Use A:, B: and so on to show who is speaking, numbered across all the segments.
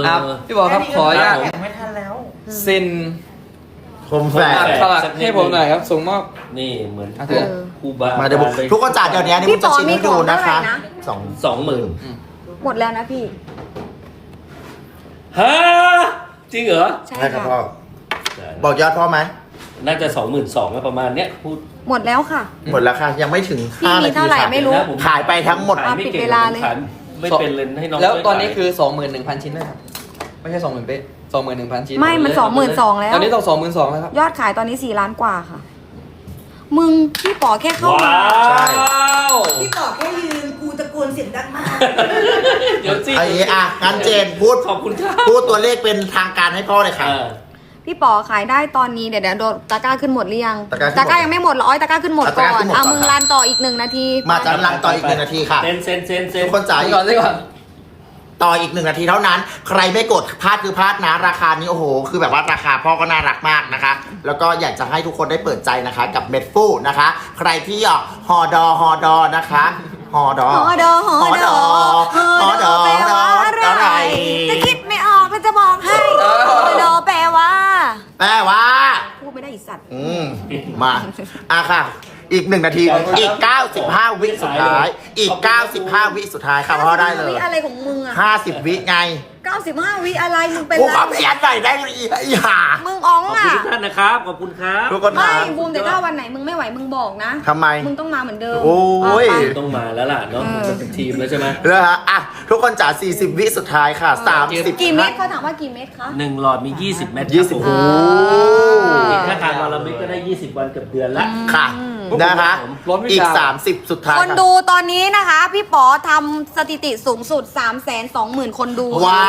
A: พี่บอกครับขออนุญาต
B: ไม่ทันแล้ว
A: เซ็น
C: คมแฝก
A: สลักให้ผมหน่อยครับส่งมอบ
D: นี่เหมือน
A: เออ
D: ครูบา
C: มาเดี๋ยวทุกคนจ่ายเดี๋ยวนี้นี่ผมจะชิมให้ดูนะคะ
D: 20,000
E: หมดแล้วนะพี่
D: ฮะจริงเหรอ
E: ใช่
C: ใช่ครับ
E: ค่ะ
C: พ่อ บอกยอดพ่อไหม
D: น่าจะ 22,000ประมาณเนี้ยพูด
E: หมดแล้วค่ะ
C: หมดแล้วค่ะยังไม่ถึง
E: พี่
C: 5
E: มี
C: นาที
E: เท่าไหร่
C: ค่ะ
E: ไม่รู้
D: นะผม
C: ขายไปทั้งหมด
D: ขายไม่
E: ปิด
D: เก่ง
E: เวลาเลย
D: ขายไม่เป็นเลยให้น้อง
A: แล้ว
D: ช่ย
A: ตอนนี้
D: ขาย
A: คือ 21,000 ชิ้นนะครับไม่ใช่ 20,000เป๊ะ21,000 ชิ้น
E: ไม่มัน22,000แล้ว
A: ตอนนี้ต้อง22,000แล้วครับ
E: ยอดขายตอนนี้4 ล้านกว่าค่ะ มึงพี่ป๋อแค่เข้า
D: ว้า
E: มา
D: ว
F: พี่ต่อแค่ยืนกูตะโกนเสียงดังมาก
D: เดี๋ยวสิ
C: ไอ้อ่ะงั้นเจนพูด
D: ขอบคุณครับ
C: พูดตัวเลขเป็นทางการให้พ่อเลยค่ะ
E: พี่ป๋อขายได้ตอนนี้เดี๋ยวโดนตะกร้าขึ้นหมดหรือยัง
C: ตะกร้าขึ้นหมด
E: ยังไม่หมดหรออ้อยตะกร้าขึ้นหมด
C: ตะก
E: ก่
C: ร้า
E: อ
C: ขึ้
E: น
C: นหมด
E: เอา
C: ก่อน
E: มึง
C: ครับ
E: รันต่ออีก1 นาที
C: มาจันลังต่ออีก1 นาทีค่ะ
D: เซน
C: ทุกคนจ่าย
A: ก่อนเลยก่อน
C: ต่ออีก1 นาทีเท่านั้น ใครไม่กดพลาดคือพลาดนะราคานี้โอ้โหคือแบบว่าราคาพ่อก็น่ารักมากนะคะ แล้วก็อยากจะให้ทุกคนได้เปิดใจนะคะ กับเม็ดฟูนะคะ ใครที่อยากฮอดอนะคะฮอดอ
E: หอดอหอดอหอดอแปลว่าอะไรจะคิดไม่ออกแล้วจะบอกให้หอดอแปลว่า
C: แปลว่า
E: พูดไม่ได้อีสัตว์
C: มาค่ะ อีก1 นาทีอีก95 วิสุดท้าย อีก95 วิสุดท้ายค่ะพ่อได้เลย
E: วิอะไรของมึงอะ
C: 50 วิไง
E: 95 วิอะไรมึงเป็น
C: กู
E: ไร
C: ขอเพียนหน่อยได้ไหมอีห่า
E: มึงอ๋อง
D: ขอบ
E: อ่ะ
D: คุณทุกท่านนะครับขอบคุณครับ
C: ทุกคน
E: ไม่
C: ถาม
E: บูมแต่ถ้าวันไหนมึงไม่ไหวมึงบอกนะ
C: ทำไม
E: มึงต้องมาเหมือนเดิม
C: โอ้ย
E: ไป
D: ต้องมาแล้วล่ะเนาะมันเป็นทีมแล้วใช่ไหม
C: นะฮะอ่ะทุกคนจ๋า40 วิสุดท้ายค่ะ 30
E: กี่เม็ดเขาถามว่ากี่เม็ดคะ
D: 1 หลอดมี 20 เม็ด
C: 20 โอ้โห
D: ถ้าทานวันละเม็ดก็ได้ 20 วันเกือบเดือนละ
C: ค่ะนะคะ
A: ร้อนวิชา
C: อีก 30 สุดท้าย
E: คน
C: ค่ะ
E: ดูตอนนี้นะคะ พี่ป๋อทำสถิติสูงสุด 320,000 คนดู
C: ว้าว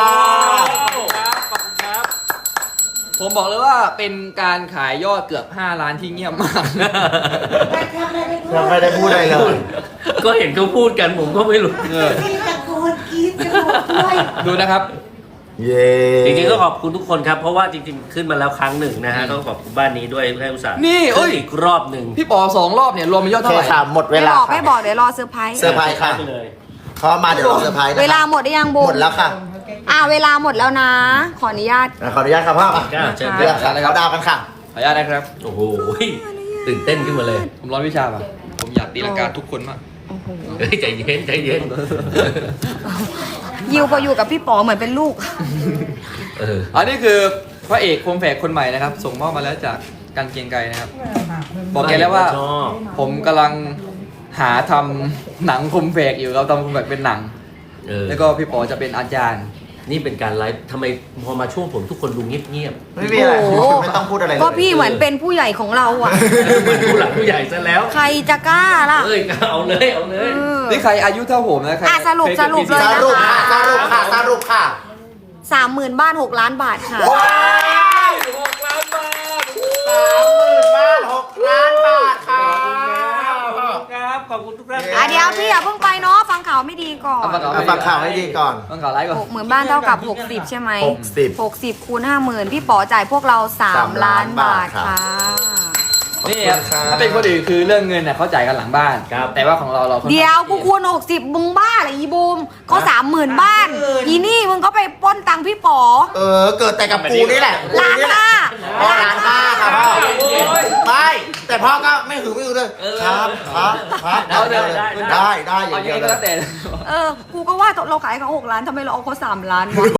D: ขอบคุณครับ
A: ผมบอกเลยว่าเป็นการขายยอดเกือบ5 ล้านที่เงียบมาก
C: ยังไม่ได้พูดอะไรเลย
D: ก็เห็นเขาพูดกันผมก็ไม่รู้
F: พี่ตะโกนกรี๊ดกันหมดด้วย
A: ดูนะครับ
C: เย้
D: จริงๆก็ขอบคุณทุกคนครับ เพราะว่าจริงๆขึ้นมาแล้วครั้งหนึ่งนะฮะต้องขอบคุณบ้านนี้ด้วยให้อุตส่าห์
A: นี่เอ้ย
D: ขึ้อีกรอบหนึ่ง
A: พี่ป๋อ2 รอบเนี่ยรวมเป็นยอด
C: โอเค
A: เท่าไหร่
C: ค่ะหมดเว
E: ไม่
C: ลา
E: บอก
C: ค่ะ
E: ไม่บอกเดี๋ยวรอเซอร์ไพรส์
C: เซอร์ไพรส์ค่ะ
D: ไปเลย
C: เขามาเดี๋ยวเราเซอร์ไพรส์นะคะ
E: เวลาหมดได้ยังบูม
C: หมดแล้วค่ะ
E: เวลาหมดแล้วนะ ขออนุญาต
C: ขออนุญาตครับพ่อ
D: ก้าวเชิญ
C: เรื่องค่ะเขาดาวกันค่ะ
A: ขออนุญาตนะครับ
D: โอ้โหตื่นเต้นขึ้นมาเลย
A: ผมร้อนวิชาป่ะผมอยากตีลังกาทุกคนมาก
D: เฮ้ยใจเย็นใจเย็น
E: ยิวพออยู่กับพี่ป๋อเหมือนเป็นลูก
A: อันนี้คือพระเอกคมแฝกคนใหม่นะครับ ส่งมอบมาแล้วจากการเกรียงไกรนะครับ บอกแกแล้วว่า
D: ชอบ
A: ผมกำลังหาทำหนังคมแฝกอยู่เราทำคมแฝกเป็นหนัง แล้วก็พี่ป๋อจะเป็นอาจารย์
D: นี่เป็นการไลฟ์ทำไมพอมาช่วงผมทุกคนดูเงียบ
C: ไม่มีอะไร
E: โอ้โห
C: ไม่ต้องพูดอะไรเลย
E: ก็พี่เหมือนเป็นผู้ใหญ่ของเราอ่ะ
D: ๆเหมือนผู้หลักผู้ใหญ่ซะแล้ว
E: ใครจะกล้าล่ะ
D: เอ้ยเอาเลยเอาเลย
E: เออ
A: นี่ใครอายุเท่าผมนะใคร
E: สรุป
A: ใคกิด
E: สรุป
A: ปี
E: เลย
C: ส
E: นะ
C: รุปค่ะสรุปค่ะสรุปค่ะ
E: 30,000 บ้าน 6 ล้านบาทค่ะ
C: ว้าว6 ล้านบาท30,000 บ้าน 6 ล้านบาทค่ะ
D: ครับขอบคุณทุกท่าน
E: เดี๋ยวพี่อย่าเพิ่งไปเนาะฟังข่าวไม่ดีก่อน
C: เอาฟังข่าวให้ดีก่อน
A: ต้องข่าวไลฟ์ก่อน
E: 60,000 บ้านเท่ากับ 60 ใช่ไหม
C: 60
E: 60คูณ50,000 พี่ป๋อจ่ายพวกเรา 3 ล้านบาทค่ะ
A: นี่ครับถ้าเป็นคนอื่นคือเรื่องเงินเนี่ยเขาจ่ายกันหลังบ้าน แต่ว่าของเราค่อนข้าง
E: เดี๋ยวกูคูณ60มึงบ้าเหรออีบูมก็30,000 บ้าน อีนี่มึงก็ไปปล้นตังค์พี่ป๋อ
C: เกิดแต่กับกูนี่แหละ
E: ล้าน
C: กูแหละ
E: ห้า
C: พ่อล้านห้าค่ะพ่อไม่แต่พ่อก็ไม่หือไม่อือเลยครับได้อย่าง
A: เอาอย่าง
C: เดียว
A: นี้ก็
C: เล
A: แล้วแต่
C: ย
E: กูก็ว่าเราขายเขา6 ล้านทำไมเราเอาเขา3 ล้านวะ